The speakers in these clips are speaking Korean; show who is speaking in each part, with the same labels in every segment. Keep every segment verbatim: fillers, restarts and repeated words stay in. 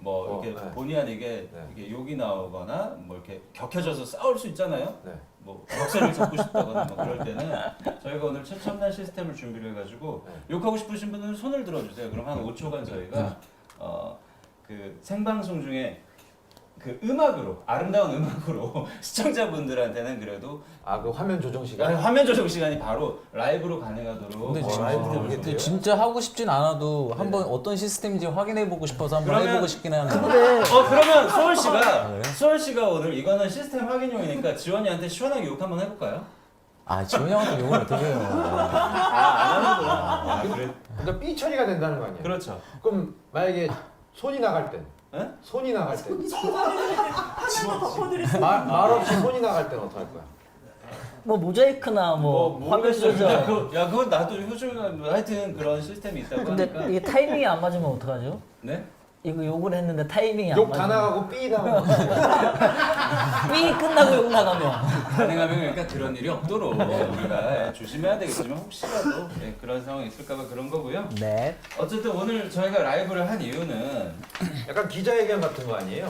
Speaker 1: 뭐 이렇게
Speaker 2: 어, 네.
Speaker 1: 본의 아니게
Speaker 2: 네.
Speaker 1: 이게 욕이 나오거나 뭐 이렇게 격해져서 싸울 수 있잖아요.
Speaker 2: 네.
Speaker 1: 뭐 격세를 잡고 싶다거나 뭐 그럴 때는 저희가 오늘 최첨단 시스템을 준비를 해가지고
Speaker 2: 네.
Speaker 1: 욕하고 싶으신 분들은 손을 들어주세요. 그럼 한 오 초간 저희가 어, 그 생방송 중에 그 음악으로 아름다운 음악으로 시청자분들한테는 그래도
Speaker 2: 아 그 화면 조정 시간.
Speaker 1: 화면 조정 시간이 바로 라이브로 가능하도록
Speaker 3: 근데
Speaker 1: 어,
Speaker 3: 진짜,
Speaker 1: 시스템을
Speaker 2: 그게
Speaker 1: 준비해요.
Speaker 3: 근데 진짜 하고 싶진 않아도 한번 어떤 시스템인지 확인해보고 싶어서 한번
Speaker 1: 그러면-
Speaker 3: 해보고 싶긴 하는데.
Speaker 1: 어 그러면 수월 씨가
Speaker 3: 그래요?
Speaker 1: 수월 씨가 오늘 이거는 시스템 확인용이니까 지원이한테 시원하게 욕 한번 해볼까요?
Speaker 3: 아 지원 형한테 욕을 어떻게 해요?
Speaker 1: 아안 하는구나. 아, 그래.
Speaker 2: 그러니까 삐 처리가 된다는 거 아니에요?
Speaker 1: 그렇죠.
Speaker 2: 그럼 만약에 손이 나갈 땐,
Speaker 1: 에?
Speaker 2: 손이 나갈 땐,
Speaker 4: 하나 덮어드릴
Speaker 2: 말, 말 없이 손이 나갈 땐 어떡할 거야?
Speaker 5: 뭐 모자이크나 뭐, 화면
Speaker 1: 모르겠어요.
Speaker 5: 조절.
Speaker 1: 야, 그거, 야 그건 나도 효율가 뭐 하여튼 그런 시스템이 있다고
Speaker 5: 근데
Speaker 1: 하니까.
Speaker 5: 이게 타이밍이 안 맞으면 어떡하죠?
Speaker 1: 네?
Speaker 5: 이거 욕을 했는데 타이밍이 안
Speaker 2: 욕 다
Speaker 5: 맞으면
Speaker 2: 나가고 삐 나가고.
Speaker 5: 삐 끝나고 욕 나가면
Speaker 1: 가능하면 그러니까 그런 일이 없도록 우리가 조심해야 되겠지만 혹시라도 네, 그런 상황이 있을까봐 그런 거고요.
Speaker 5: 네.
Speaker 1: 어쨌든 오늘 저희가 라이브를 한 이유는
Speaker 2: 약간 기자회견 같은 거 아니에요?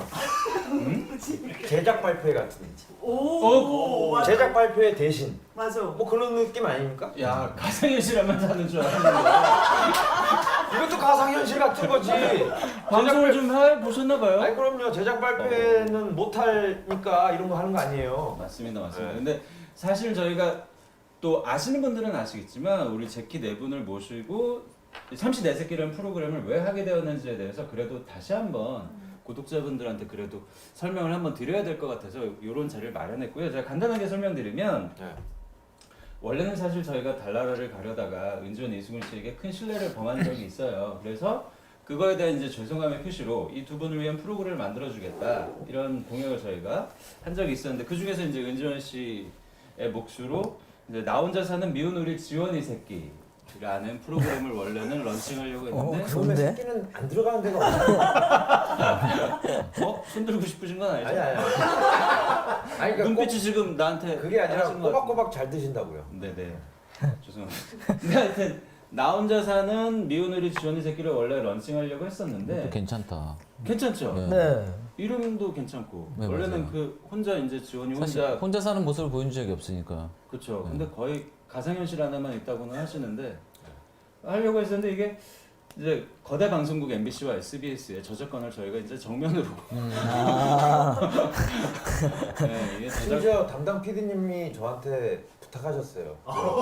Speaker 2: 제작 발표회 같은.
Speaker 4: 오, 맞아.
Speaker 2: 제작 발표회 대신.
Speaker 4: 맞아.
Speaker 2: 뭐 그런 느낌 아닙니까?
Speaker 1: 야 가상현실하면 사는 줄 알았는데
Speaker 2: 이것도 가상현실 같은 거지.
Speaker 1: 방송을 좀 해보셨나봐요?
Speaker 2: 아니 그럼요. 제작 발표회는 못 하니까 이런 거 하는 거 아니에요.
Speaker 1: 맞습니다, 맞습니다.
Speaker 2: 네.
Speaker 1: 근데 사실 저희가 또 아시는 분들은 아시겠지만 우리 제키 네 분을 모시고 삼시네 새끼라는 프로그램을 왜 하게 되었는지에 대해서 그래도 다시 한번 구독자분들한테 그래도 설명을 한번 드려야 될 것 같아서 이런 자리를 마련했고요. 제가 간단하게 설명드리면
Speaker 2: 네.
Speaker 1: 원래는 사실 저희가 달나라를 가려다가 은지원 이수근 씨에게 큰 신뢰를 범한 적이 있어요. 그래서 그거에 대한 이제 죄송함의 표시로 이 두 분을 위한 프로그램을 만들어주겠다 이런 공약을 저희가 한 적이 있었는데 그 중에서 이제 은지원 씨의 몫으로 이제 나 혼자 사는 미운 우리 지원이 새끼라는 프로그램을 원래는 런칭하려고 했는데
Speaker 5: 어,
Speaker 2: 그러면
Speaker 5: 좋은데?
Speaker 2: 새끼는 안 들어가는 데가 없어.
Speaker 1: 어? 손들고 싶으신 건 아니죠?
Speaker 2: 아니 아니. 아니. 아니 그러니까
Speaker 1: 눈빛이 지금 나한테
Speaker 2: 꼭, 그게 아니라
Speaker 1: 하신 것 같은데.
Speaker 2: 꼬박꼬박 잘 드신다고요.
Speaker 1: 네네. 죄송합니다. 근데 하여튼 나 혼자 사는 미운 우리 지원이 새끼를 원래 런칭하려고 했었는데
Speaker 3: 괜찮다.
Speaker 1: 괜찮죠?
Speaker 3: 네.
Speaker 5: 네.
Speaker 1: 이름도 괜찮고
Speaker 3: 네,
Speaker 1: 원래는
Speaker 3: 맞아요.
Speaker 1: 그 혼자 이제 지원이
Speaker 3: 사실
Speaker 1: 혼자
Speaker 3: 혼자 사는 모습을 보여준 적이 없으니까.
Speaker 1: 그렇죠.
Speaker 3: 네.
Speaker 1: 근데 거의 가상현실 하나만 있다고는 하시는데 하려고 했었는데 이게 이제 거대 방송국 엠비씨와 에스비에스의 저작권을 저희가 이제 정면으로
Speaker 5: 아,
Speaker 1: 네, 이게 저작
Speaker 2: 심지어 담당 피디님이 저한테 부탁하셨어요.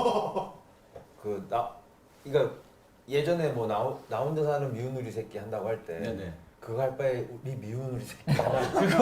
Speaker 2: 그 나 그러니까 예전에 뭐 나 나 혼자 사는 미운 우리 새끼 한다고 할 때
Speaker 1: 네네.
Speaker 2: 그거 할 바에 우리 미운 우리 새끼 하나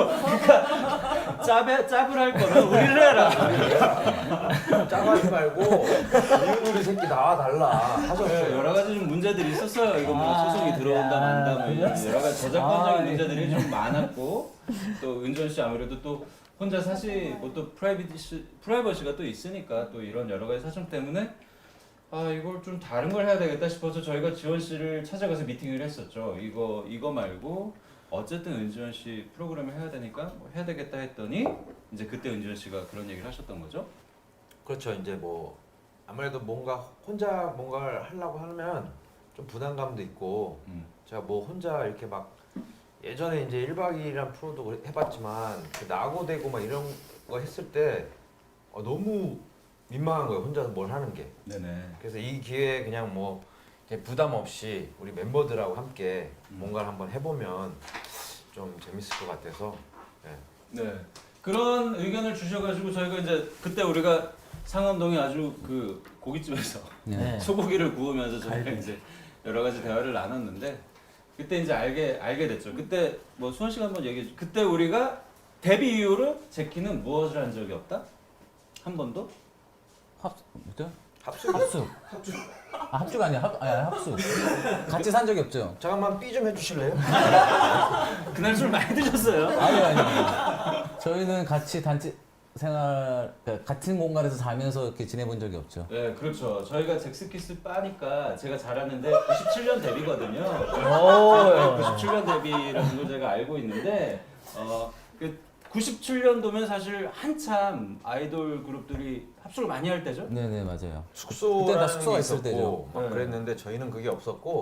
Speaker 1: 짭에 짭을 할 거면 우리를 해라.
Speaker 2: 짜가지 말고 미운 우리 새끼 나와 달라
Speaker 1: 네,
Speaker 2: 하셨어요.
Speaker 1: 여러 가지 좀 문제들이 있었어요. 이거 뭐
Speaker 5: 아,
Speaker 1: 소송이 들어온다
Speaker 5: 야,
Speaker 1: 만다 뭐 이런
Speaker 5: 그랬어?
Speaker 1: 여러 가지 저작권적인
Speaker 5: 아,
Speaker 1: 문제들이
Speaker 5: 예.
Speaker 1: 좀 많았고 또 은전 씨 아무래도 또 혼자 사실 뭐또 프라이버시 프라이버시가 또 있으니까 또 이런 여러 가지 사정 때문에 아 이걸 좀 다른 걸 해야 되겠다 싶어서 저희가 지원 씨를 찾아가서 미팅을 했었죠. 이거 이거 말고 어쨌든 은지원 씨 프로그램을 해야 되니까 뭐 해야 되겠다 했더니 이제 그때 은지원 씨가 그런 얘기를 하셨던 거죠.
Speaker 2: 그렇죠. 이제 뭐 아무래도 뭔가 혼자 뭔가를 하려고 하면 좀 부담감도 있고
Speaker 1: 음.
Speaker 2: 제가 뭐 혼자 이렇게 막 예전에 이제 일 박 이 일이란 프로도 해봤지만 그 나고되고 막 이런 거 했을 때 어, 너무 민망한 거예요. 혼자서 뭘 하는 게.
Speaker 1: 네네.
Speaker 2: 그래서 이 기회에 그냥 뭐 이렇게 부담 없이 우리 멤버들하고 함께
Speaker 1: 음.
Speaker 2: 뭔가를 한번 해보면 좀 재밌을 것 같아서 네.
Speaker 1: 네. 그런 의견을 주셔가지고 저희가 이제 그때 우리가 상암동에 아주 그 고깃집에서
Speaker 5: 네.
Speaker 1: 소고기를 구우면서 저희가 이제 여러 가지 대화를 나눴는데 그때 이제 알게 알게 됐죠. 그때 뭐 수원 씨가 한번 얘기해 주. 그때 우리가 데뷔 이후로 제키는 무엇을 한 적이 없다? 한 번도?
Speaker 3: 합 뭐죠?
Speaker 2: 합숙.
Speaker 3: 합숙. 아, 합숙 아니야. 합 아니, 합숙. 같이 산 적이 없죠.
Speaker 2: 잠깐만 삐 좀 해주실래요?
Speaker 1: 그날 술 많이 드셨어요.
Speaker 3: 아니 아니. 저희는 같이 단체 생활 그러니까 같은 공간에서 자면서 이렇게 지내본 적이 없죠.
Speaker 1: 네, 그렇죠. 저희가 잭스키스 빠니까 제가 잘 아는데 구십칠 년 데뷔거든요.
Speaker 5: 오.
Speaker 1: 구십칠 년 데뷔라는 걸 제가 알고 있는데 어, 그 구십칠 년도면 사실 한참 아이돌 그룹들이 합숙을 많이 할 때죠.
Speaker 3: 네네 맞아요.
Speaker 2: 숙소라는
Speaker 3: 그때 다 숙소가
Speaker 2: 게
Speaker 3: 있을
Speaker 2: 있었고
Speaker 3: 때죠.
Speaker 2: 막
Speaker 1: 네.
Speaker 2: 그랬는데 저희는 그게 없었고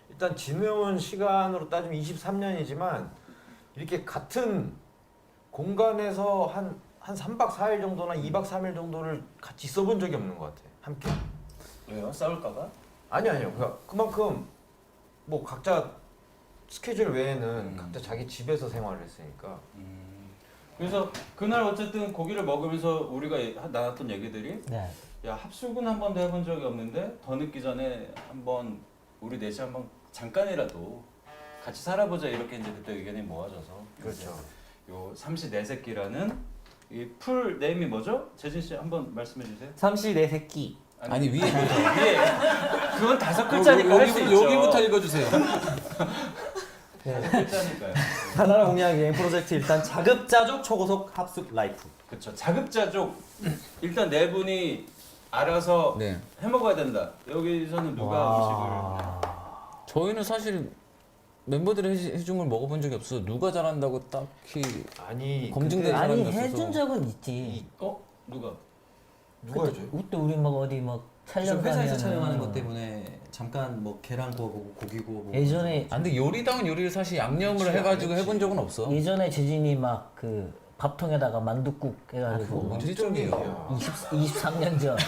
Speaker 2: 일단 지내온 시간으로 따지면 이십삼 년이지만 이렇게 같은 공간에서 한 한 삼 박 사 일 정도나 이 박 삼 일 정도를 같이 있어본 적이 없는 것 같아. 함께.
Speaker 1: 왜요? 싸울까봐?
Speaker 2: 아니 아니요. 그- 그만큼 뭐 각자 스케줄 외에는
Speaker 1: 음.
Speaker 2: 각자 자기 집에서 생활을 했으니까.
Speaker 1: 음. 그래서 그날 어쨌든 고기를 먹으면서 우리가 예- 나눴던 얘기들이
Speaker 5: 네.
Speaker 1: 야 합숙은 한 번도 해본 적이 없는데 더 늦기 전에 한번 우리 넷이 한번 잠깐이라도 같이 살아보자 이렇게 이제 그때 의견이 모아져서
Speaker 2: 그렇죠.
Speaker 1: 요 삼시네 새끼라는 이 풀 네임이 뭐죠? 재진 씨 한번 말씀해 주세요.
Speaker 5: 삼시 네 새끼.
Speaker 3: 아니 위에
Speaker 1: 위에 그건 다섯 글자니까 할 수
Speaker 3: 여기,
Speaker 1: 있죠.
Speaker 3: 여기부터 읽어주세요.
Speaker 1: 다섯 글자니까요.
Speaker 6: 하나라 공약 여행 프로젝트 일단 자급자족 초고속 합숙 라이프.
Speaker 1: 그렇죠. 자급자족 일단 네 분이 알아서
Speaker 3: 네.
Speaker 1: 해 먹어야 된다. 여기서는 누가
Speaker 3: 저희는 사실 멤버들이 해- 해준 걸 먹어본 적이 없어서 누가 잘한다고 딱히
Speaker 2: 아니
Speaker 3: 검증된
Speaker 2: 그때
Speaker 3: 사람이
Speaker 5: 아니
Speaker 3: 없어서.
Speaker 5: 해준 적은 있지.
Speaker 1: 음식 어 누가?
Speaker 2: 누가 해줘요?
Speaker 5: 그때 우리 막 어디 막 촬영
Speaker 6: 회사에서
Speaker 5: 가면은
Speaker 6: 촬영하는 것 때문에 잠깐 뭐 계란 구워보고 고기 구워보고.
Speaker 5: 예전에
Speaker 3: 아 근데 요리다운 요리를 사실 양념을
Speaker 2: 그치,
Speaker 3: 해가지고
Speaker 2: 안
Speaker 3: 해본 적은 없어.
Speaker 5: 예전에 재진이 막 그 밥통에다가 만둣국
Speaker 3: 그거
Speaker 5: 해가지고
Speaker 3: 언제 쪽이에요?
Speaker 5: 이십 이십삼 년 전.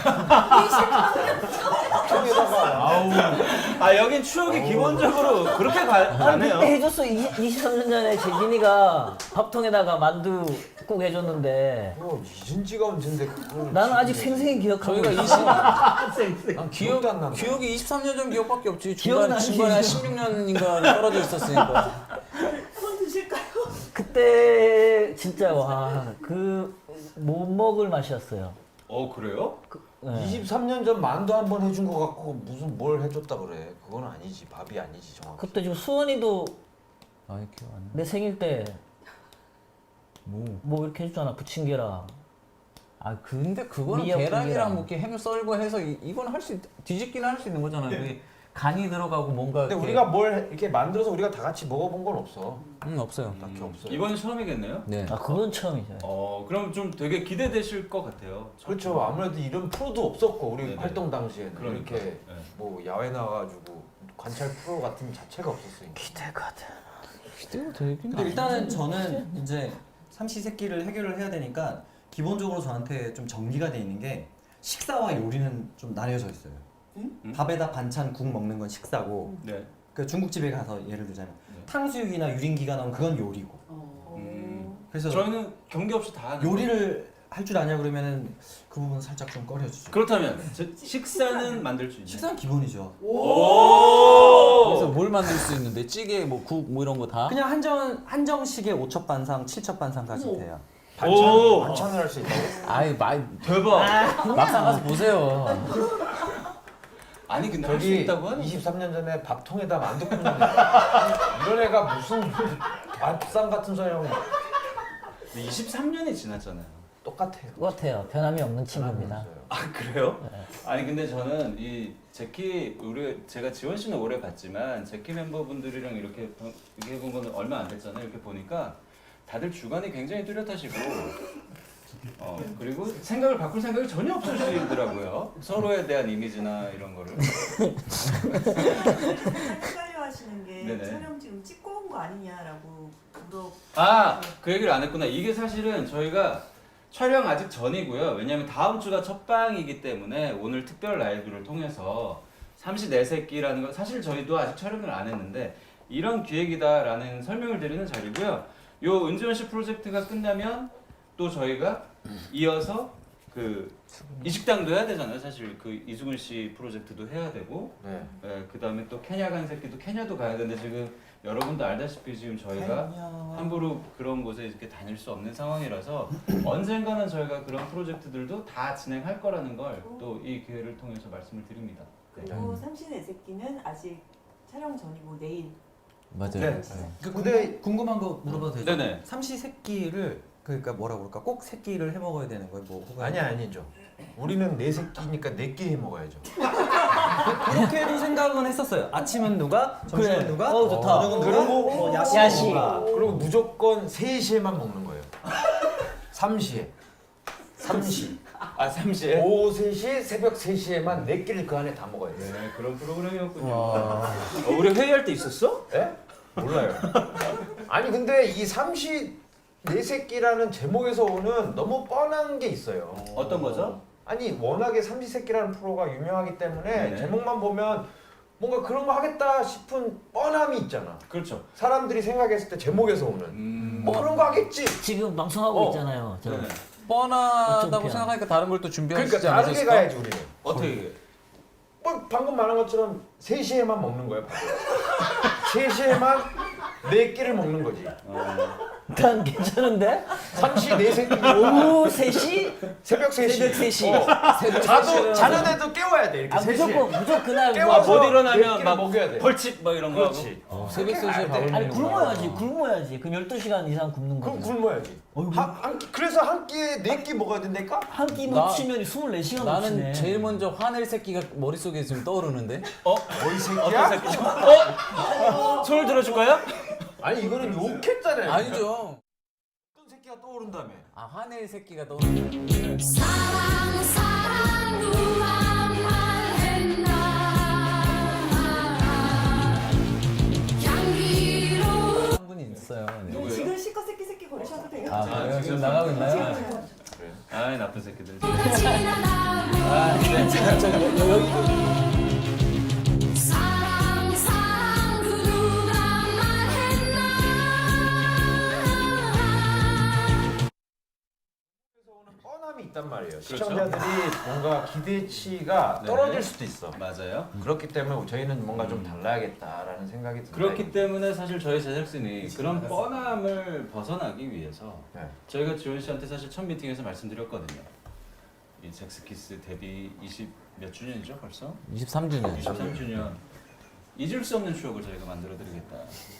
Speaker 1: 아 여긴 추억이 기본적으로 그렇게 가, 가네요.
Speaker 5: 그때 해줬어. 이, 이십삼 년 전에 재진이가 밥통에다가 만두국 해줬는데
Speaker 2: 그거 잊은 지가 언젠데 그걸
Speaker 5: 나는 아직
Speaker 2: 지금
Speaker 5: 생생히 기억하고
Speaker 3: 저희가
Speaker 5: 있어.
Speaker 3: 이십
Speaker 2: 난
Speaker 3: 기억
Speaker 2: 기억도 안 난다.
Speaker 3: 기억이 이십삼 년 전 기억밖에 없지.
Speaker 5: 기억은
Speaker 3: 중간
Speaker 5: 안
Speaker 3: 중간에
Speaker 5: 나지.
Speaker 3: 십육 년인가 떨어져 있었으니까.
Speaker 4: 손 드실까요?
Speaker 5: 그때 진짜 와 그 못 먹을 맛이었어요.
Speaker 1: 어 그래요?
Speaker 5: 네.
Speaker 2: 이십삼 년 전 만두 한 번 해준 거 갖고 무슨 뭘 해줬다 그래. 그건 아니지. 밥이 아니지 정확히.
Speaker 5: 그때 지금 수원이도
Speaker 3: 아 기억 안 나.
Speaker 5: 내 생일 때
Speaker 3: 뭐.
Speaker 5: 뭐 이렇게 해줬잖아. 부침개랑.
Speaker 3: 아 근데 그거는
Speaker 5: 미역국이랑.
Speaker 3: 계란이랑 뭐 이렇게 햄 썰고 해서 이, 이건 할 수 뒤집기는 할 수 있는 거잖아. 그게 간이 들어가고 뭔가.
Speaker 2: 근데
Speaker 3: 이렇게-
Speaker 2: 우리가 뭘 이렇게 만들어서 우리가 다 같이 먹어본 건 없어.
Speaker 3: 음 없어요.
Speaker 2: 딱히 없어요.
Speaker 1: 이번이 처음이겠네요.
Speaker 3: 네.
Speaker 5: 아 그건 처음이죠.
Speaker 1: 어 그럼 좀 되게 기대되실 것 같아요.
Speaker 2: 그렇죠. 아무래도 이런 프로도 없었고 우리
Speaker 1: 네네.
Speaker 2: 활동 당시에는
Speaker 1: 그러니까.
Speaker 2: 이렇게
Speaker 1: 네.
Speaker 2: 뭐 야외 나가가지고 관찰 프로 같은 자체가 없었으니까.
Speaker 5: 기대거든.
Speaker 3: 기대가 되긴.
Speaker 6: 근데 일단은 저는 이제 삼시세끼를 해결을 해야 되니까 기본적으로 저한테 좀 정리가 돼 있는 게 식사와 요리는 좀 나뉘어져 있어요.
Speaker 1: 음?
Speaker 6: 밥에다 반찬 국 먹는 건 식사고,
Speaker 1: 네.
Speaker 6: 그 중국집에 가서 예를 들자면
Speaker 1: 네.
Speaker 6: 탕수육이나 유린기가 나오면 그건 요리고.
Speaker 4: 어.
Speaker 1: 음.
Speaker 6: 그래서
Speaker 1: 저희는 경계 없이 다 하는.
Speaker 6: 요리를 할 줄 아냐 그러면은 그 부분 살짝 좀 꺼려주죠.
Speaker 1: 그렇다면 저- 식사는 만들 수 있나요?
Speaker 6: 식사는 기본이죠.
Speaker 3: 그래서 뭘 만들 수 있는데 찌개 뭐 국 뭐 이런 거 다.
Speaker 6: 그냥 한정 한정식에 오첩 반상, 칠첩 반상까지
Speaker 4: 오.
Speaker 6: 돼요.
Speaker 2: 반찬
Speaker 1: 오!
Speaker 2: 반찬을 할 수 있다고.
Speaker 3: 아이 말
Speaker 1: 대박.
Speaker 3: 막상 가서 보세요.
Speaker 1: 아니 근데 할 수
Speaker 2: 저기
Speaker 1: 있다고 하는.
Speaker 2: 이십삼 년 전에 밥통에다 만두 굽는 애. 이런 애가 무슨 밥상 같은 소리 하고
Speaker 1: 이십삼 년이 지났잖아요.
Speaker 2: 똑같아요.
Speaker 5: 똑같아요. 변함이 없는 친구입니다.
Speaker 1: 아 그래요? 아니 근데 저는 이 제키 우리 제가 지원 씨는 오래 봤지만 제키 멤버분들이랑 이렇게 보- 이렇게 해본 거는 얼마 안 됐잖아요. 이렇게 보니까 다들 주관이 굉장히 뚜렷하시고 어 그리고 생각을 바꿀 생각이 전혀 없으시더라고요. 서로에 대한 이미지나 이런 거를.
Speaker 4: 헷갈려 하시는 게
Speaker 1: 네네.
Speaker 4: 촬영 지금 찍고 온 거 아니냐라고 물어.
Speaker 1: 아 그 얘기를 안 했구나. 이게 사실은 저희가 촬영 아직 전이고요. 왜냐하면 다음 주가 첫 방이기 때문에 오늘 특별 라이브를 통해서 삼시네 새끼라는 거 사실 저희도 아직 촬영을 안 했는데 이런 기획이다라는 설명을 드리는 자리고요. 요 은지원 씨 프로젝트가 끝나면 또 저희가 이어서 그 이식당도 해야 되잖아요. 사실 그 이수근 씨 프로젝트도 해야 되고
Speaker 2: 네.
Speaker 1: 예, 그다음에 또 케냐 간 새끼도 케냐도 가야 되는데 지금 여러분도 알다시피 지금 저희가 함부로 그런 곳에 이렇게 다닐 수 없는 상황이라서 언젠가는 저희가 그런 프로젝트들도 다 진행할 거라는 걸 또 이 기회를 통해서 말씀을 드립니다. 네.
Speaker 4: 그리고 삼신의 새끼는 아직 촬영 전이고 내일.
Speaker 3: 맞아요.
Speaker 2: 네.
Speaker 6: 그
Speaker 2: 근데-
Speaker 6: 근데 궁금한 거 물어봐도 되죠?
Speaker 1: 네네.
Speaker 6: 삼시세끼를 그러니까 뭐라 그럴까? 꼭 세끼를 해 먹어야 되는 거예요? 뭐 혹은
Speaker 2: 아니 아니죠. 우리는 네 새끼니까 네 개 해 먹어야죠.
Speaker 6: 그렇게도 생각은 했었어요. 아침은 누가, 점심은
Speaker 5: 그래.
Speaker 6: 누가,
Speaker 5: 어, 좋다.
Speaker 6: 저녁은 누가,
Speaker 2: 그리고
Speaker 6: 뭐 야식,
Speaker 5: 야식.
Speaker 6: 누가.
Speaker 2: 그리고 무조건 세 시에만 먹는 거예요. 삼 시에. 삼 시.
Speaker 1: 아 삼 시에?
Speaker 2: 오후 세 시, 새벽 세 시에만 네 끼를 그 안에 다 먹어야 돼.
Speaker 1: 네 그런 프로그램이었군요.
Speaker 3: 와.
Speaker 1: 어, 우리 회의할 때 있었어?
Speaker 2: 예? 몰라요. 아니 근데 이 삼시 네 새끼라는 제목에서 오는 너무 뻔한 게 있어요.
Speaker 1: 어떤 거죠?
Speaker 2: 아니 워낙에 삼시세끼라는 프로가 유명하기 때문에
Speaker 1: 네.
Speaker 2: 제목만 보면 뭔가 그런 거 하겠다 싶은 뻔함이 있잖아.
Speaker 1: 그렇죠.
Speaker 2: 사람들이 생각했을 때 제목에서 오는
Speaker 1: 음,
Speaker 2: 뭐 그런 거 하겠지.
Speaker 5: 지금 방송하고
Speaker 2: 어.
Speaker 5: 있잖아요. 저.
Speaker 1: 네네.
Speaker 3: 뻔하다고
Speaker 5: 어쩜
Speaker 3: 생각하니까 다른 걸 또 준비하시지
Speaker 2: 그러니까 다르게
Speaker 3: 않으셨을까?
Speaker 2: 가야지 우리는.
Speaker 1: 어떻게?
Speaker 2: 뭐 방금 말한 것처럼 세 시에만 먹는 거야. 세 시에만 네 끼를 먹는 거지.
Speaker 1: 어,
Speaker 5: 난 괜찮은데?
Speaker 2: 삼시 네 새끼.
Speaker 5: 오후 세 시?
Speaker 2: 새벽 세 시.
Speaker 5: 새벽 세 시.
Speaker 2: 어.
Speaker 5: 새벽
Speaker 2: 자도
Speaker 5: 세 시에
Speaker 2: 자는 애도 깨워야 돼 이렇게
Speaker 5: 아
Speaker 2: 세 시에.
Speaker 5: 무조건 무조건 그날
Speaker 2: 깨워서
Speaker 5: 뭐
Speaker 1: 못
Speaker 2: 네
Speaker 1: 일어나면
Speaker 2: 끼를
Speaker 1: 막
Speaker 2: 먹여야 돼.
Speaker 1: 벌칙 뭐 이런 거 하고.
Speaker 2: 그렇지.
Speaker 3: 어, 새벽 세 시에 밥을
Speaker 5: 아니
Speaker 3: 먹는구나.
Speaker 5: 굶어야지 굶어야지. 그럼 열두 시간 이상 굶는
Speaker 2: 그럼
Speaker 5: 거지.
Speaker 2: 굶어야지. 한, 한 끼, 그래서 한 끼에 네 끼 먹어야 된다니까?
Speaker 5: 한 끼
Speaker 3: 나-
Speaker 5: 놓치면 스물네 시간
Speaker 3: 나는
Speaker 5: 놓치네.
Speaker 3: 제일 먼저 화낼 새끼가 머릿속에 지금 떠오르는데.
Speaker 1: 어?
Speaker 2: 어이 새끼야?
Speaker 1: 어떤 새끼죠? 어? 손을 들어줄까요?
Speaker 2: 아니 이거는 욕했잖아요.
Speaker 3: 아니죠.
Speaker 2: 어떤 새끼가 떠오른다며.
Speaker 3: 아 화낼 새끼가 떠오르네.
Speaker 7: 사랑 사랑 누가 말했나 향기로운
Speaker 3: 한 분이 있어요. 네.
Speaker 1: 누구예요?
Speaker 4: 지금 실컷 새끼 새끼 거리셔도 돼요.
Speaker 3: 아 그래요? 지금 나가고 있나요?
Speaker 4: 지금
Speaker 1: 아이 나쁜 새끼들.
Speaker 7: 지나가고
Speaker 1: 아, 네.
Speaker 7: 사랑 사랑 그 누가 말했나
Speaker 2: 그래서 오는 뻔함이 있단 말이에요.
Speaker 1: 그렇죠.
Speaker 2: 시청자들이 뭔가 기대치가
Speaker 1: 네.
Speaker 2: 떨어질 수도 있어.
Speaker 1: 맞아요.
Speaker 2: 그렇기 때문에 저희는 뭔가 좀 달라야겠다라는 생각이 듭니다.
Speaker 1: 그렇기 때문에 사실 저희 제작진이 그런 뻔함을 벗어나기 위해서
Speaker 2: 네.
Speaker 1: 저희가 지원 씨한테 사실 첫 미팅에서 말씀드렸거든요. 이 잭스키스 데뷔 이십 몇 주년이죠 벌써?
Speaker 3: 이십삼 주년.
Speaker 1: 이십삼 주년 잊을 수 없는 추억을 저희가 만들어드리겠다.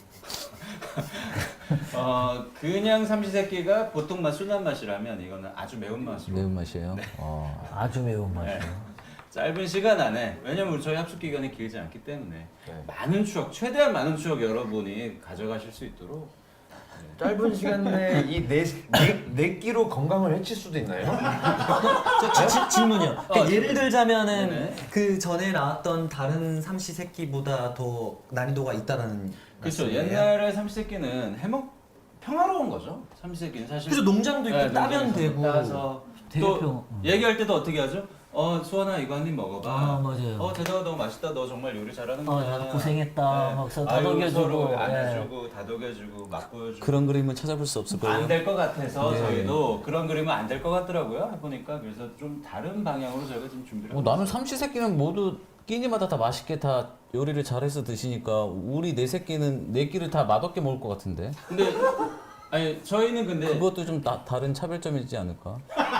Speaker 1: 어 그냥 삼시세끼가 보통 맛 순한 맛이라면 이거는 아주 매운 맛으로
Speaker 3: 매운맛이에요. 어.
Speaker 5: 아주 매운 맛이에요.
Speaker 1: 네. 짧은 시간 안에 왜냐면 우리 저희 합숙 기간이 길지 않기 때문에
Speaker 2: 네.
Speaker 1: 많은 추억 최대한 많은 추억 여러분이 가져가실 수 있도록
Speaker 2: 짧은 시간 내에 이네 끼로 건강을 해칠 수도 있나요?
Speaker 6: 저, 지- 지- 질문이요. 그러니까
Speaker 1: 어,
Speaker 6: 예를 들자면은
Speaker 1: 네네.
Speaker 6: 그 전에 나왔던 다른 삼시세끼보다 더 난이도가 있다라는
Speaker 1: 그렇죠.
Speaker 6: 말씀이에요?
Speaker 1: 옛날에 삼시세끼는 해먹 평화로운 거죠. 삼시세끼는 사실
Speaker 6: 그래서 농장도 있고
Speaker 1: 네,
Speaker 6: 따면
Speaker 1: 농장에서
Speaker 6: 되고
Speaker 1: 따서
Speaker 5: 되게
Speaker 1: 또
Speaker 5: 평- 음.
Speaker 1: 얘기할 때도 어떻게 하죠? 어 수원아 이거 한 입 먹어봐.
Speaker 5: 아, 맞아요.
Speaker 1: 어 대다가 너무 맛있다. 너 정말 요리 잘하는구나.
Speaker 5: 어, 나도 고생했다. 막 서로
Speaker 1: 아유,
Speaker 5: 다독여주고,
Speaker 1: 서로
Speaker 5: 예.
Speaker 1: 안아주고 다독여주고 맛보여주고.
Speaker 3: 그런 그림은 찾아볼 수 없을 거예요.
Speaker 1: 안 될 것 같아서
Speaker 3: 네.
Speaker 1: 저희도 그런 그림은 안 될 것 같더라고요. 해보니까 그래서 좀 다른 방향으로 저희가 지금 준비를.
Speaker 3: 어,
Speaker 1: 하고
Speaker 3: 나는
Speaker 1: 있어요.
Speaker 3: 삼시 세끼는 모두 끼니마다 다 맛있게 다 요리를 잘해서 드시니까 우리 네 새끼는 네 끼를 다 맛없게 먹을 것 같은데.
Speaker 1: 근데 아니 저희는 근데
Speaker 3: 그것도 좀 다, 다른 차별점이지 않을까?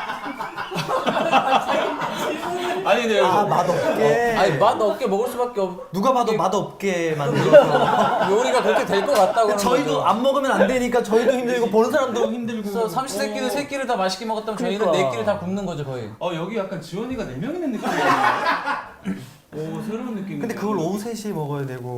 Speaker 1: 아니 근데
Speaker 6: 아 맛없게.
Speaker 3: 아니 맛 없게 먹을 수밖에 없.
Speaker 6: 누가 봐도 맛없게 만들어서
Speaker 3: 요리가 그렇게 될 것 같다고 하는
Speaker 6: 저희도
Speaker 3: 거죠.
Speaker 6: 안 먹으면 안 되니까 저희도 힘들고 보는 사람도 힘들고.
Speaker 3: 그래서 삼시 세끼는 세 끼를 다 맛있게 먹었다면 저희는
Speaker 5: 그러니까.
Speaker 3: 네 끼를 다 굶는 거죠 거의.
Speaker 1: 어 여기 약간 지원이가 네 명 있는 느낌이야. 오 새로운 느낌.
Speaker 6: 근데 그걸 오후 세 시에 먹어야 되고.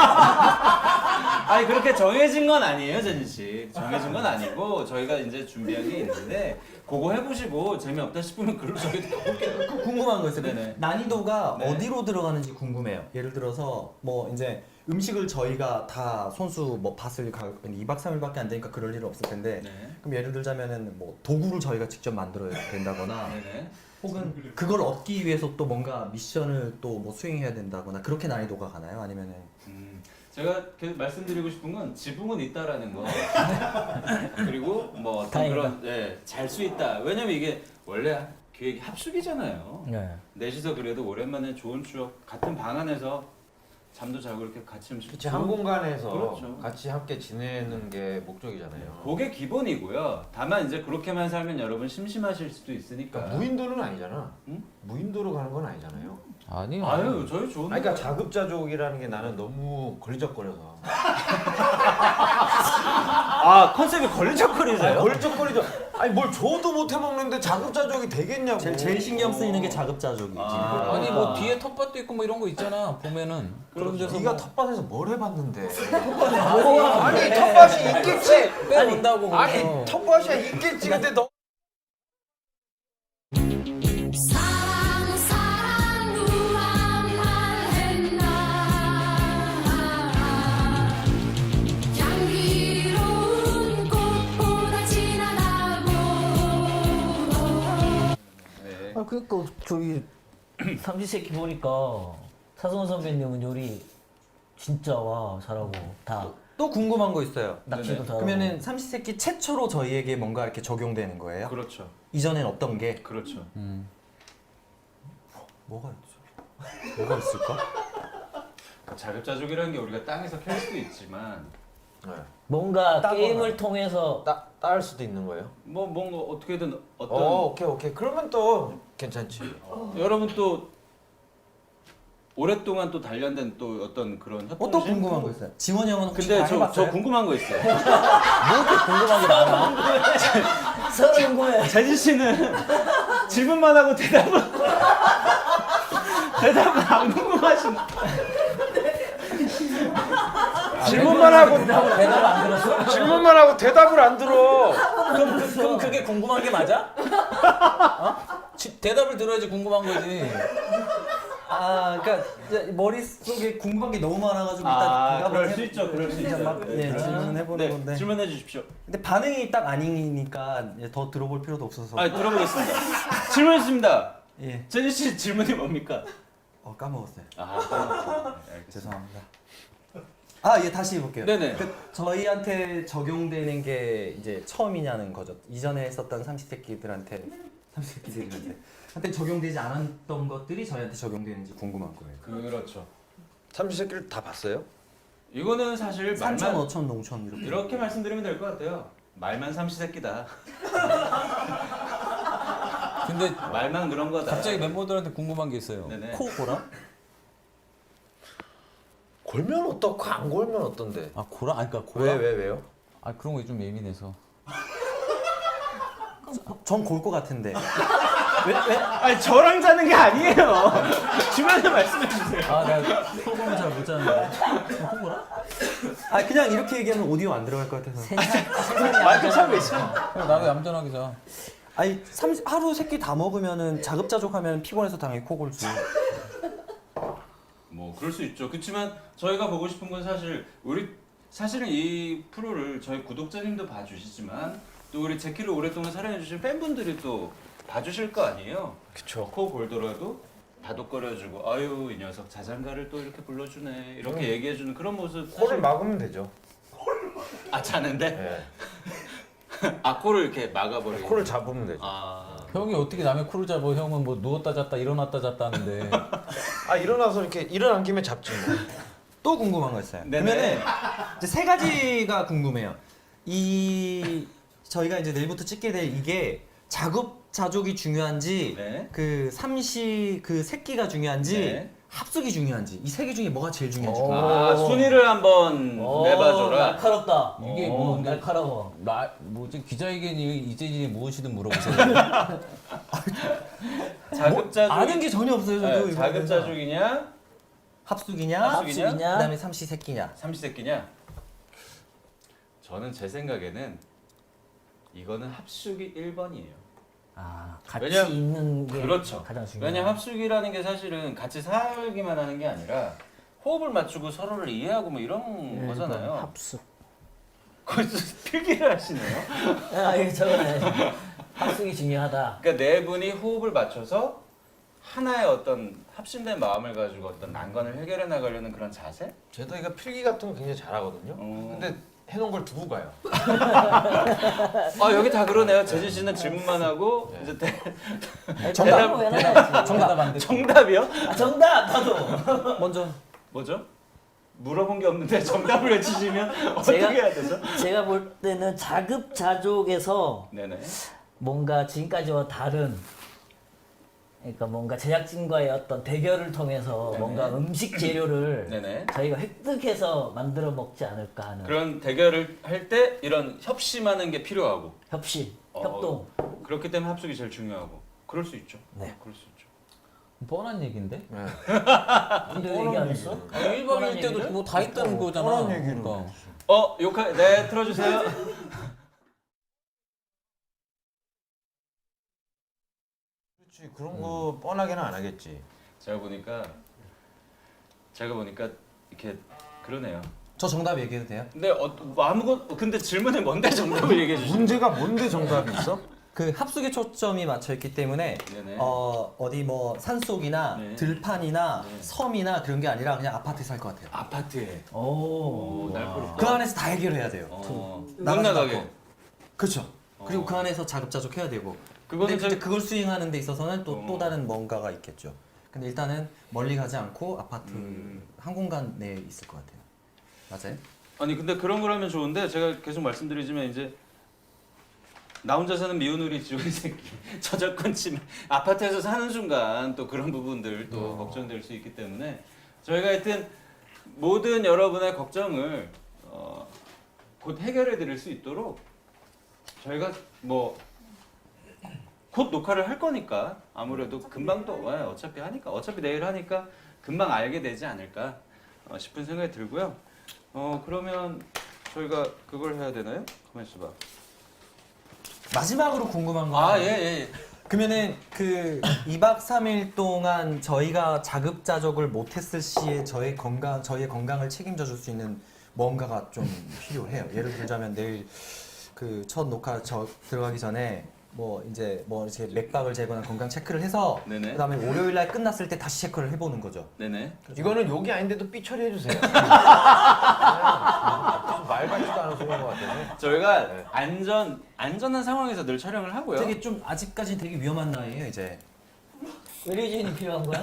Speaker 1: 아니 그렇게 정해진 건 아니에요, 제니 씨. 정해진 건 아니고 저희가 이제 준비한 게 있는데 그거 해보시고 재미없다 싶으면 글로 저희도 가볼게요.
Speaker 6: 그 궁금한 거 있어요.
Speaker 1: 네네.
Speaker 6: 난이도가
Speaker 1: 네.
Speaker 6: 어디로 들어가는지 궁금해요. 예를 들어서 뭐 이제 음식을 저희가 다 손수 뭐 밭을 가 이박 삼일밖에 안 되니까 그럴 일은 없을 텐데
Speaker 1: 네.
Speaker 6: 그럼 예를 들자면은 뭐 도구를 저희가 직접 만들어야 된다거나
Speaker 1: 네네.
Speaker 6: 혹은 그걸 얻기 위해서 또 뭔가 미션을 또 뭐 수행해야 된다거나 그렇게 난이도가 가나요? 아니면은
Speaker 1: 음, 제가 계속 말씀드리고 싶은 건 지붕은 있다라는 거. 그리고 뭐 어떤
Speaker 5: 다행이다.
Speaker 1: 그런 예, 잘 수 있다. 왜냐면 이게 원래 기획이 합숙이잖아요.
Speaker 5: 네.
Speaker 1: 넷이서 그래도 오랜만에 좋은 추억 같은 방 안에서 잠도 자고 이렇게 같이 음식
Speaker 2: 그치 한 공간에서
Speaker 1: 그렇죠.
Speaker 2: 같이 함께 지내는 게 목적이잖아요.
Speaker 1: 그게 기본이고요. 다만 이제 그렇게만 살면 여러분 심심하실 수도 있으니까.
Speaker 2: 그러니까 무인도는 아니잖아.
Speaker 1: 응?
Speaker 2: 무인도로 가는 건 아니잖아요.
Speaker 3: 아니요.
Speaker 1: 아유 저희 좋은.
Speaker 2: 아니, 그러니까 자급자족이라는 게 나는 너무 걸리적거려서.
Speaker 1: 아 컨셉이
Speaker 2: 아니,
Speaker 1: 걸리적거리세요?
Speaker 2: 걸리적거리죠. 아니 뭘 줘도 못 해먹는데 자급자족이 되겠냐고.
Speaker 6: 제일, 제일 신경 쓰이는 게 자급자족이지.
Speaker 1: 아.
Speaker 3: 아니 뭐 뒤에 텃밭도 있고 뭐 이런 거 있잖아 보면은 그런 데서
Speaker 2: 네가
Speaker 3: 뭐
Speaker 2: 텃밭에서 뭘 해봤는데?
Speaker 5: 우와,
Speaker 2: 아니 텃밭이 있겠지.
Speaker 3: 빼온다고
Speaker 2: 아니
Speaker 3: 거기서.
Speaker 2: 텃밭이야 있겠지. 근데 너
Speaker 5: 그니까 저기 삼시세끼 보니까 사성원 선배님은 요리 진짜 와 잘하고 다
Speaker 6: 또 궁금한 거 있어요.
Speaker 5: 낚시도
Speaker 1: 네네.
Speaker 5: 잘하고.
Speaker 6: 그러면은 삼시세끼 최초로 저희에게 뭔가 이렇게 적용되는 거예요?
Speaker 1: 그렇죠.
Speaker 6: 이전엔 어떤 게?
Speaker 1: 그렇죠.
Speaker 3: 음.
Speaker 6: 뭐가 있죠? 뭐가 있을까?
Speaker 1: 자급자족이라는 게 우리가 땅에서 캘 수도 있지만
Speaker 2: 네.
Speaker 5: 뭔가
Speaker 2: 따거나.
Speaker 5: 게임을 통해서
Speaker 2: 따 따을 수도 있는 거예요?
Speaker 1: 뭐 뭔가 어떻게든 어떤
Speaker 2: 어 오케이 오케이 그러면 또 괜찮지.
Speaker 1: 여러분 또 오랫동안 또 단련된 또 어떤 그런 협동
Speaker 6: 어, 또 궁금한 거 있어요. 지원이 형은 혹시
Speaker 1: 근데
Speaker 6: 다
Speaker 1: 저,
Speaker 6: 해봤어요?
Speaker 1: 저 궁금한 거 있어요.
Speaker 5: 뭐 궁금한 게 많아. 서로 궁금해.
Speaker 1: 재진 씨는 질문만 하고 대답을 대답을 안 궁금하신.
Speaker 2: 질문만 하고
Speaker 5: 대답 안 들었어?
Speaker 2: 질문만 하고 대답을 안 들어.
Speaker 3: 그럼, 그, 그럼 그게 궁금한 게 맞아? 어? 지- 대답을 들어야지 궁금한 거지.
Speaker 6: 아, 그러니까 이제 머릿속에 궁금한 게 너무 많아가지고
Speaker 1: 아,
Speaker 6: 일단 대답을
Speaker 1: 그럴
Speaker 6: 해-
Speaker 1: 수 있죠, 그럴 수
Speaker 6: 그냥
Speaker 1: 있죠.
Speaker 6: 막, 네,
Speaker 1: 네.
Speaker 6: 질문을 해보는
Speaker 1: 네,
Speaker 6: 건데.
Speaker 1: 질문해 주십시오.
Speaker 6: 근데 반응이 딱 아니니까 이제 더 들어볼 필요도 없어서.
Speaker 1: 아, 들어보겠습니다. 질문했습니다.
Speaker 6: 예.
Speaker 1: 재진 씨 질문이 뭡니까?
Speaker 6: 어, 까먹었어요.
Speaker 1: 아, 네, 알겠습니다.
Speaker 6: 죄송합니다. 아, 예, 다시 해볼게요.
Speaker 1: 네네.
Speaker 6: 그 저희한테 적용되는 게 이제 처음이냐는 거죠. 이전에 했었던 삼시세끼들한테 삼시세끼들한테 한테 적용되지 않았던 것들이 저희한테 적용되는지 궁금한 거예요.
Speaker 1: 그렇죠.
Speaker 2: 삼시세끼를 다 봤어요?
Speaker 1: 이거는 사실
Speaker 6: 삼천,
Speaker 1: 말만
Speaker 6: 오천, 농촌 이렇게.
Speaker 1: 이렇게 말씀드리면 될 것 같아요. 말만 삼시세끼다.
Speaker 3: 근데
Speaker 1: 말만 그런 거다.
Speaker 3: 갑자기 멤버들한테 궁금한 게 있어요.
Speaker 1: 네네.
Speaker 3: 코 고라?
Speaker 2: 골면 어떻고 안 골면 어떤데?
Speaker 3: 아 고라? 아니 그러니까 고라?
Speaker 2: 왜 왜 왜요?
Speaker 3: 아 그런 거 좀 예민해서.
Speaker 6: 전 골 것 같은데.
Speaker 1: 아니 저랑 자는 게 아니에요. 주변에 말씀해 주세요.
Speaker 3: 아 내가 소금을 잘 못 자는데. 코 고라?
Speaker 6: 아, 그냥 이렇게 얘기하면 오디오 안 들어갈 것 같아서.
Speaker 1: 마이크 차고 있어.
Speaker 3: 그럼 나도 얌전하게 자.
Speaker 6: 아니, 삼 하루 세 끼 다 먹으면은 자급자족하면 피곤해서 당연히 코골지.
Speaker 1: 뭐 그럴 수 있죠. 그렇지만 저희가 보고 싶은 건 사실 우리 사실은 이 프로를 저희 구독자님도 봐주시지만 또 우리 제키를 오랫동안 사랑해주신 팬분들이 또 봐주실 거 아니에요.
Speaker 2: 그쵸.
Speaker 1: 코 골더라도 다독거려주고 아유 이 녀석 자장가를 또 이렇게 불러주네 이렇게 얘기해주는 그런 모습.
Speaker 2: 코를
Speaker 1: 사실-
Speaker 2: 막으면 되죠.
Speaker 1: 아 자는데?
Speaker 2: 네.
Speaker 1: 아 코를 이렇게 막아버리고.
Speaker 2: 코를 잡으면 되죠.
Speaker 1: 아
Speaker 3: 형이 어떻게 남의 코를 잡아? 형은 뭐 누웠다 잤다 일어났다 잤다 하는데.
Speaker 2: 아 일어나서 이렇게 일어난 김에 잡지 뭐.
Speaker 6: 또 궁금한 거 있어요.
Speaker 1: 네네.
Speaker 6: 그러면은 이제 세 가지가 궁금해요. 이 저희가 이제 내일부터 찍게 될 이게 자급자족이 중요한지
Speaker 1: 네.
Speaker 6: 그 삼시 그 새끼가 중요한지
Speaker 1: 네.
Speaker 6: 합숙이 중요한지 이 세 개 중에 뭐가 제일 중요한지.
Speaker 5: 어.
Speaker 6: 궁금해요.
Speaker 1: 아 순위를 한번
Speaker 5: 오,
Speaker 1: 내봐줘라.
Speaker 5: 날카롭다.
Speaker 3: 이게
Speaker 1: 어,
Speaker 3: 뭐
Speaker 5: 날카로워.
Speaker 3: 나 뭐지 기자회견이 이재진이 무엇이든 물어보세요.
Speaker 1: 자급자족.
Speaker 6: 아는 게 전혀 없어요. 저도
Speaker 1: 네,
Speaker 6: 이거에
Speaker 1: 자급자족이냐
Speaker 6: 합숙이냐,
Speaker 1: 합숙이냐?
Speaker 5: 합숙이냐?
Speaker 6: 그다음에 삼시세끼냐.
Speaker 1: 삼시세끼냐? 저는 제 생각에는 이거는 합숙이 일 번이에요.
Speaker 5: 아 같이
Speaker 1: 왜냐-
Speaker 5: 있는 게
Speaker 1: 그렇죠.
Speaker 5: 가장 중요해.
Speaker 1: 왜냐면 합숙이라는 게 사실은 같이 살기만 하는 게 아니라 호흡을 맞추고 서로를 이해하고 뭐 이런
Speaker 5: 네,
Speaker 1: 거잖아요.
Speaker 5: 합숙.
Speaker 1: 거기서 필기를 하시네요.
Speaker 5: 아 이거 저거네. 합숙이 중요하다.
Speaker 1: 그러니까 네 분이 호흡을 맞춰서 하나의 어떤 합심된 마음을 가지고 어떤 난관을 해결해 나가려는 그런 자세?
Speaker 2: 제동이가 필기 같은 거 굉장히 잘하거든요.
Speaker 1: 어.
Speaker 2: 근데 해놓은 걸 두고 가요.
Speaker 1: 아 여기 다 그러네요. 재진 씨는 질문만 하고 이제 대,
Speaker 5: 정답 왜 나왔지?
Speaker 3: 정답 안 돼.
Speaker 1: 정답이요?
Speaker 5: 아, 정답 나도.
Speaker 6: 먼저
Speaker 1: 뭐죠? 물어본 게 없는데 정답을 외치시면 어떻게
Speaker 5: 제가-
Speaker 1: 해야 되죠?
Speaker 5: 제가 볼 때는 자급자족에서
Speaker 1: 네네.
Speaker 5: 뭔가 지금까지와 다른 그러니까 뭔가 제작진과의 어떤 대결을 통해서
Speaker 1: 네네.
Speaker 5: 뭔가 음식 재료를
Speaker 1: 네네.
Speaker 5: 저희가 획득해서 만들어 먹지 않을까 하는
Speaker 1: 그런 대결을 할 때 이런 협심하는 게 필요하고
Speaker 5: 협심,
Speaker 1: 어,
Speaker 5: 협동.
Speaker 1: 그렇기 때문에 합숙이 제일 중요하고 그럴 수 있죠.
Speaker 5: 네.
Speaker 1: 그럴 수 있죠.
Speaker 3: 뻔한 얘기인데?
Speaker 2: 네.
Speaker 5: 근데 왜 얘기 안 했어?
Speaker 3: 아, 일 박
Speaker 5: 뻔한
Speaker 3: 일 때도
Speaker 5: 얘기를?
Speaker 3: 뭐 다 있다는 거잖아.
Speaker 2: 뻔한 얘기를.
Speaker 3: 그러니까.
Speaker 1: 어 욕하 네 틀어주세요.
Speaker 2: 그렇지 그런 거 뻔하게는 안 하겠지.
Speaker 1: 제가 보니까 제가 보니까 이렇게 그러네요.
Speaker 6: 저 정답 얘기해도 돼요?
Speaker 1: 근데 어, 뭐 아무것 근데 질문이 뭔데 정답을 얘기해 주시죠.
Speaker 2: 문제가 뭔데 정답이 있어?
Speaker 6: 그 합숙에 초점이 맞춰 있기 때문에
Speaker 1: 네네.
Speaker 6: 어 어디 뭐 산속이나
Speaker 1: 네.
Speaker 6: 들판이나
Speaker 1: 네.
Speaker 6: 섬이나 그런 게 아니라 그냥 아파트에 살 것 같아요.
Speaker 1: 아파트에.
Speaker 5: 오.
Speaker 1: 오, 날카롭다.
Speaker 6: 그 안에서 다 해결해야 돼요.
Speaker 1: 어, 못
Speaker 6: 나가지
Speaker 1: 나가게.
Speaker 6: 않고. 그렇죠. 그리고
Speaker 1: 어.
Speaker 6: 그 안에서 자급자족 해야 되고.
Speaker 1: 그거는
Speaker 6: 근데
Speaker 1: 저-
Speaker 6: 그걸 수행하는 데 있어서는 또 또
Speaker 1: 어.
Speaker 6: 다른 뭔가가 있겠죠. 근데 일단은 멀리 가지 않고 아파트
Speaker 1: 음.
Speaker 6: 한 공간 내에 있을 것 같아요. 맞아요?
Speaker 1: 아니 근데 그런 걸 하면 좋은데 제가 계속 말씀드리지만 이제 나 혼자 사는 미운 우리 지원이 새끼 저작권 침해 아파트에서 사는 순간 또 그런 부분들 또 걱정될 수 있기 때문에 저희가 하여튼 모든 여러분의 걱정을 어, 곧 해결해 드릴 수 있도록 저희가 뭐 곧 녹화를 할 거니까 아무래도 금방 또 예, 어차피 하니까 어차피 내일 하니까 금방 알게 되지 않을까 어, 싶은 생각이 들고요. 어 그러면 저희가 그걸 해야 되나요? 가만 있어봐.
Speaker 6: 마지막으로 궁금한 거.
Speaker 1: 아 예 예.
Speaker 6: 그러면은 그 이 박 삼 일 동안 저희가 자급자족을 못했을 시에 저의 건강, 저희의 건강을 책임져 줄 수 있는 뭔가가 좀 필요해요. 예를 들자면 내일 그 첫 녹화 저 들어가기 전에 뭐 이제 뭐 이렇게 맥박을 재거나 건강 체크를 해서
Speaker 1: 네네.
Speaker 6: 그다음에 월요일 날 끝났을 때 다시 체크를 해보는 거죠.
Speaker 1: 네네.
Speaker 2: 이거는 욕이 아닌데도 삐 처리해 주세요. 말 같지도 않은 소리인 것 같아요.
Speaker 1: 저희가
Speaker 2: 네.
Speaker 1: 안전 안전한 상황에서 늘 촬영을 하고요.
Speaker 6: 되게 좀 아직까지 되게 위험한 나이에요 이제.
Speaker 5: 의료진이 필요한 거야?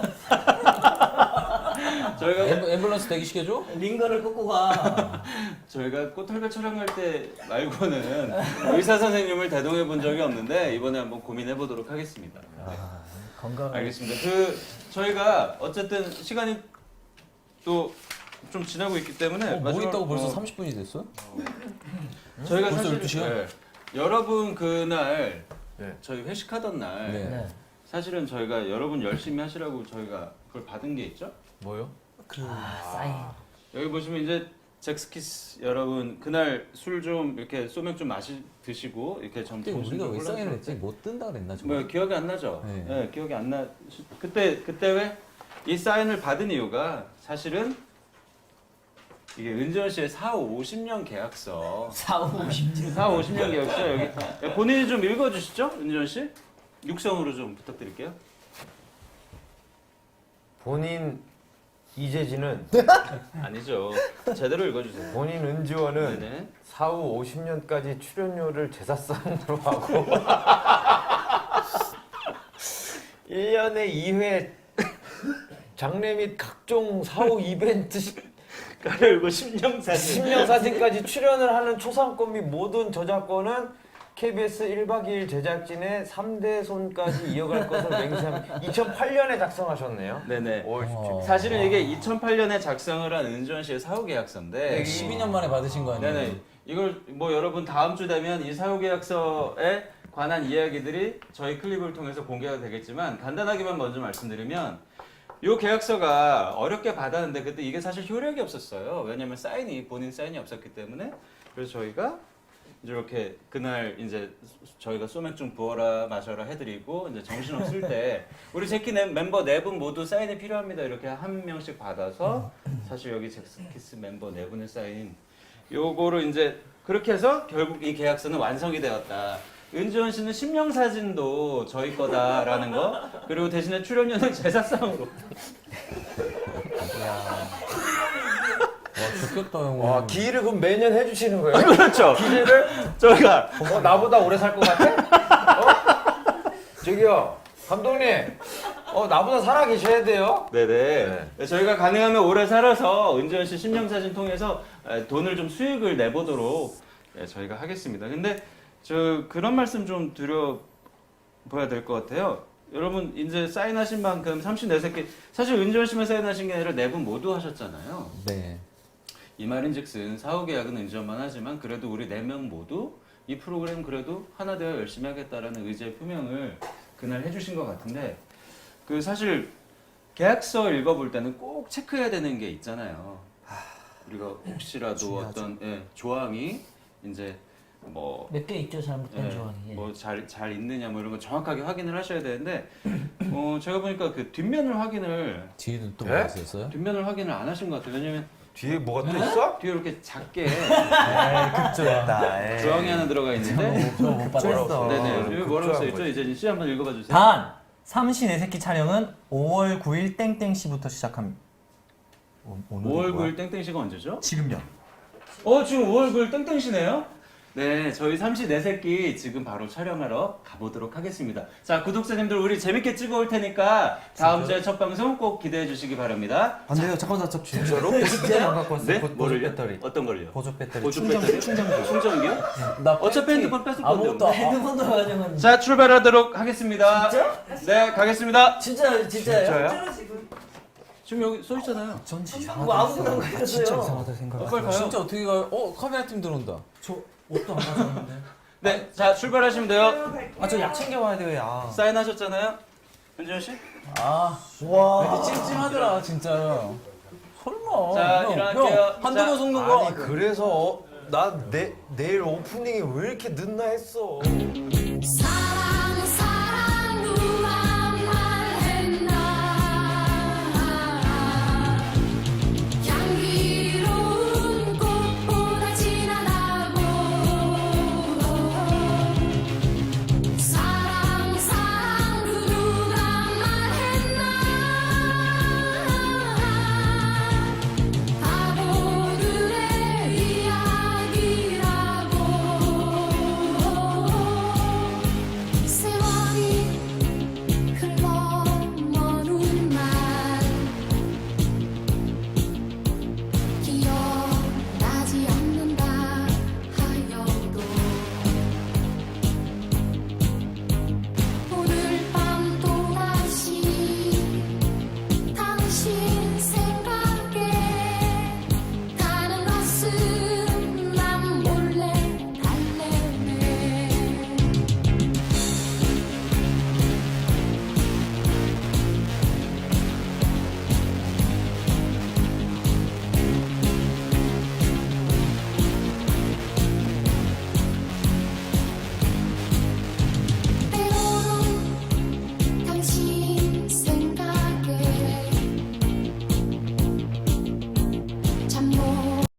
Speaker 1: 저희가
Speaker 3: 앰- 앰뷸런스 대기시켜줘?
Speaker 5: 링거를 꽂고 가.
Speaker 1: 저희가 꽃털배 촬영할 때 말고는 의사 선생님을 대동해 본 적이 없는데 이번에 한번 고민해 보도록 하겠습니다.
Speaker 5: 건강.
Speaker 1: 알겠습니다. 그 저희가 어쨌든 시간이 또 좀 지나고 있기 때문에
Speaker 3: 어, 뭐
Speaker 1: 마지막-
Speaker 3: 있다고 벌써
Speaker 1: 어,
Speaker 3: 삼십 분이 됐어?
Speaker 1: 저희가
Speaker 3: 벌써
Speaker 1: 사실
Speaker 3: 열두 시야?
Speaker 1: 네, 여러분 그날
Speaker 2: 네.
Speaker 1: 저희 회식하던 날
Speaker 3: 네.
Speaker 5: 네.
Speaker 1: 사실은 저희가 여러분 열심히 하시라고 저희가 그걸 받은 게 있죠.
Speaker 2: 뭐요?
Speaker 5: 아, 사인.
Speaker 1: 여기 보시면 이제 잭스키스 여러분 그날 술 좀 이렇게 소맥 좀 마시 드시고 이렇게 좀
Speaker 3: 그때
Speaker 1: 정신
Speaker 3: 우리가
Speaker 1: 좀
Speaker 3: 왜 사인을
Speaker 1: 혼란스럽게-
Speaker 3: 했지? 못 뜬다 그랬나 저거?
Speaker 1: 뭐 기억이 안 나죠?
Speaker 3: 네.
Speaker 1: 네. 기억이 안 나. 그때 그때 왜 이 사인을 받은 이유가 사실은 이게 은지원 씨의 사, 오십 년 계약서.
Speaker 5: 사, 오십 년.
Speaker 1: 사, 오십 년 계약서 여기 본인이 좀 읽어주시죠, 은지원 씨? 육성으로 좀 부탁드릴게요.
Speaker 2: 본인 이재진은
Speaker 1: 아니죠. 제대로 읽어주세요.
Speaker 2: 본인 은지원은
Speaker 1: 네네.
Speaker 2: 사후 오십 년까지 출연료를 제사상으로 하고 일 년에 이 회 장례 및 각종 사후 이벤트
Speaker 1: 가려고 심령 사진.
Speaker 2: 신명 사진까지 출연을 하는 초상권 및 모든 저작권은 케이비에스 일 박 이 일 제작진의 삼 대 손까지 이어갈 것을 맹세합니다. 이천팔 년에 작성하셨네요.
Speaker 1: 네네.
Speaker 2: 오월 십칠 일.
Speaker 1: 사실은 이게 이천팔 년에 작성을 한 은지원 씨의 사후 계약서인데.
Speaker 3: 십이 년 만에 받으신 거 아니에요?
Speaker 1: 네네. 이걸 뭐 여러분 다음 주 되면 이 사후 계약서에 관한 이야기들이 저희 클립을 통해서 공개가 되겠지만 간단하게만 먼저 말씀드리면 이 계약서가 어렵게 받았는데 그때 이게 사실 효력이 없었어요. 왜냐면 사인이 본인 사인이 없었기 때문에 그래서 저희가 이제 이렇게 그날 이제 저희가 소맥 좀 부어라 마셔라 해드리고 이제 정신 없을 때 우리 제키 네- 멤버 네 분 모두 사인이 필요합니다 이렇게 한 명씩 받아서 사실 여기 잭스키스 멤버 네 분의 사인 요거를 이제 그렇게 해서 결국 이 계약서는 완성이 되었다. 은지원 씨는 심령 사진도 저희 거다라는 거 그리고 대신에 출연료는 제사상으로.
Speaker 3: 와 좋겠다 형.
Speaker 2: 와 기일을 그럼 매년 해주시는 거예요?
Speaker 1: 그렇죠.
Speaker 2: 기재를
Speaker 1: 저희가
Speaker 2: 어, 나보다 오래 살 것 같아? 어? 저기요 감독님 어 나보다 살아 계셔야 돼요.
Speaker 1: 네네. 네, 저희가 가능하면 오래 살아서 은지원 씨 심령 사진 통해서 에, 돈을 좀 수익을 내보도록 예, 저희가 하겠습니다. 근데 저 그런 말씀 좀 드려 봐야 될 것 같아요. 여러분 이제 사인하신 만큼 삼십네 세끼 사실 은지원 씨만 사인하신 게 아니라 네 분 모두 하셨잖아요.
Speaker 3: 네.
Speaker 1: 이 말인즉슨 사후 계약은 은지원만 하지만 그래도 우리 네 명 모두 이 프로그램 그래도 하나 되어 열심히 하겠다라는 의지의 표명을 그날 해주신 것 같은데 그 사실 계약서 읽어볼 때는 꼭 체크해야 되는 게 있잖아요. 우리가 혹시라도
Speaker 6: 중요하죠.
Speaker 1: 어떤 예, 조항이 이제 뭐
Speaker 5: 몇 개 있죠, 잘못된 조항이. 예.
Speaker 1: 뭐잘 잘 있느냐 뭐 이런 거 정확하게 확인을 하셔야 되는데 어 제가 보니까 그 뒷면을 확인을
Speaker 3: 뒤에는 또
Speaker 2: 네?
Speaker 3: 뭐가 있었어요?
Speaker 1: 뒷면을 확인을 안 하신 것 같아요. 왜냐면
Speaker 2: 뒤에 뭐가 또 있어?
Speaker 1: 뒤에 이렇게 작게
Speaker 6: 급조했다.
Speaker 1: 조항이 하나 들어가 있는데
Speaker 5: 저못
Speaker 6: 급조했어.
Speaker 1: 네네 여기 뭐라고
Speaker 2: 급조한
Speaker 1: 써있죠?
Speaker 2: 거지.
Speaker 1: 이제 씨 한번 읽어봐 주세요.
Speaker 6: 단 삼시 네 새끼 촬영은 오월 구일 땡땡 시부터 시작합니다. 오, 오늘이
Speaker 1: 오월
Speaker 6: 뭐야?
Speaker 1: 구일 땡땡시가 언제죠?
Speaker 6: 지금요.
Speaker 1: 어 지금 오월 구일 땡땡시네요? 네 저희 삼시 네 새끼 지금 바로 촬영하러 가보도록 하겠습니다. 자 구독자님들 우리 재밌게 찍어올 테니까 다음 주에 첫 방송 꼭 기대해 주시기 바랍니다.
Speaker 6: 안 돼요. 잠깐만 저 진짜로?
Speaker 1: 진짜요?
Speaker 6: 진짜 안 갖고 왔어요.
Speaker 1: 네?
Speaker 6: 보- 보조
Speaker 1: 뭐를요?
Speaker 6: 배터리.
Speaker 1: 어떤 걸요?
Speaker 6: 보조 배터리.
Speaker 1: 보조
Speaker 6: 충전
Speaker 1: 배터리?
Speaker 6: 충전기.
Speaker 1: 충전기요?
Speaker 5: 나
Speaker 1: 어차피 핸드폰 뺏을 건데
Speaker 5: 아무것도 핸드폰도 가져간.
Speaker 1: 자 출발하도록 하겠습니다.
Speaker 4: 진짜?
Speaker 1: 네 가겠습니다.
Speaker 5: 진짜 진짜예요?
Speaker 2: 진짜요?
Speaker 4: 진짜로 지금
Speaker 1: 지금 여기 써 있잖아요.
Speaker 6: 전
Speaker 5: 뭐 아무거나
Speaker 6: 아,
Speaker 5: 가졌어요.
Speaker 6: 진짜 이상하다 생각.
Speaker 1: 어, 빨리 가요.
Speaker 3: 진짜 어떻게 가요? 어 카메라 팀 들어온다.
Speaker 6: 저 옷도 안 가져왔는데.
Speaker 1: 네, 자 출발하시면 돼요.
Speaker 6: 아 저 약 챙겨 와야 돼요. 야.
Speaker 1: 사인하셨잖아요, 현준 씨.
Speaker 3: 아, 와, 이렇게 찜찜하더라 진짜. 설마.
Speaker 1: 자,
Speaker 3: 형,
Speaker 1: 일어날게요.
Speaker 3: 형, 한두
Speaker 1: 자,
Speaker 3: 번 속는 거.
Speaker 2: 아니 그래서 나 내 내일 오프닝이 왜 이렇게 늦나 했어.
Speaker 7: 사랑